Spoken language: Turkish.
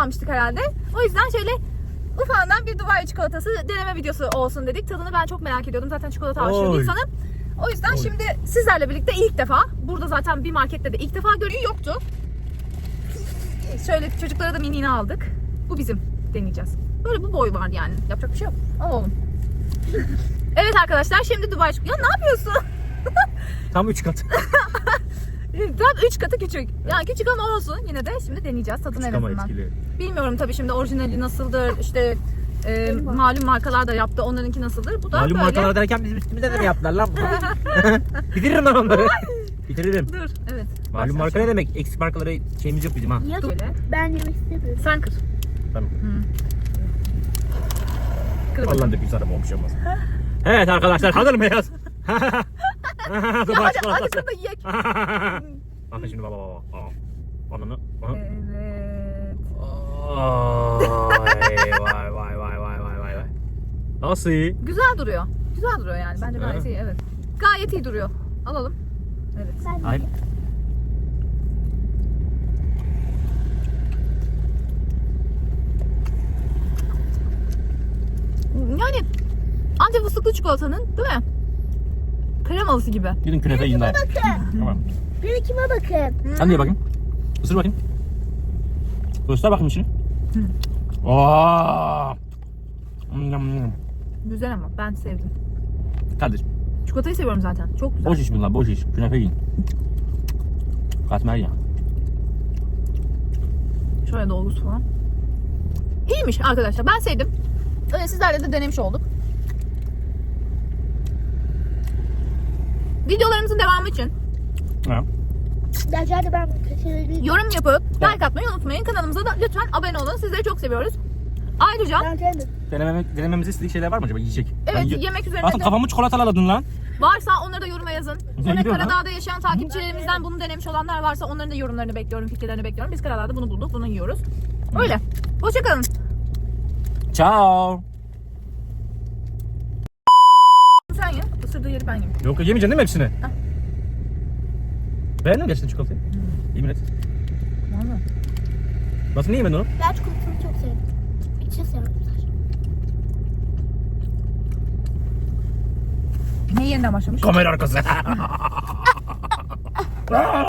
almıştık herhalde. O yüzden şöyle ufağından bir Dubai çikolatası deneme videosu olsun dedik. Tadını ben çok merak ediyordum. Zaten çikolata aşırı bir insanım. O yüzden şimdi sizlerle birlikte ilk defa, burada zaten bir markette de ilk defa görüyor yoktu. Şöyle çocuklara da mini'ni aldık. Bu bizim, deneyeceğiz. Böyle bu boy var yani. Yapacak bir şey yok. Alalım. Evet arkadaşlar, şimdi Dubai çikolatası. Ya ne yapıyorsun? Tam 3 kat. Tam 3 katı küçük. Yani küçük ama olsun. Yine de şimdi deneyeceğiz. Tadını en azından. Bilmiyorum tabii şimdi orijinali nasıldır. İşte malum markalar da yaptı. Onlarınki nasıldır? Bu da malum böyle. markalar derken bizim üstümüzde de mi yaptılar lan? Bitiririm ben onları. Bitiririm. Dur. Evet. Malum marka ne demek? Eksik markalara şeyimiz yok bizim ha. Ya Böyle. ben yemek istemiyorum. Sen kır. Tamam. Kır. Allah'ın da bir sarım olmuş olmaz. Evet arkadaşlar, hazır mıyız? Hadi kır da yiyek. Bakın şimdi baba. Ananı. Evet. Vay. Nasıl iyi? Güzel duruyor. Güzel duruyor yani. Bence gayet iyi. Evet. Gayet iyi duruyor. Alalım. Evet. Hayır. Yani Antep fıstıklı çikolatanın, değil mi? Kremalısı gibi. Gidin künefe yiyin daha. Tamam. Bir kime bakın. Sen de ye bakayım. Isır bakayım. Göster bakayım içini. Aa! Güzel ama ben sevdim. Kardeşim, Çikolatayı seviyorum zaten. Çok güzel. boş iş bunlar, boş iş. Künefe yiyin. Katmer ya. Şöyle dolgusu falan. İyiymiş arkadaşlar. Ben sevdim. Öyle sizlerle de denemiş olduk. Videolarımızın devamı için Ha. Gerçekten ben kaçırdım. yorum yapıp like atmayı unutmayın. Kanalımıza da lütfen abone olun. Sizleri çok seviyoruz. Ayrıca Ben kendim. Denememizi istediği şeyler var mı acaba, yiyecek? evet, yemek üzerine Aslında de kafamı çikolataladın lan. varsa onları da yoruma yazın. Sonra Biliyorum Karadağ'da yaşayan takipçilerimizden bunu denemiş olanlar varsa onların da yorumlarını bekliyorum, fikirlerini bekliyorum. Biz Karadağ'da bunu bulduk, bunu yiyoruz. Öyle. Hoşçakalın. Ciao. Sen ye. Isırdığı yeri ben yiyeyim. Yok, yemeyeceksin değil mi hepsini? Beğendin mi gerçekten çikolatayı? Yemin et. Vallahi. Nasıl, niye yemedin onu? Ben çikolatasını çok sevdim. İçini sevdim sadece. Ne yeniden başlamış? Kamera arkası.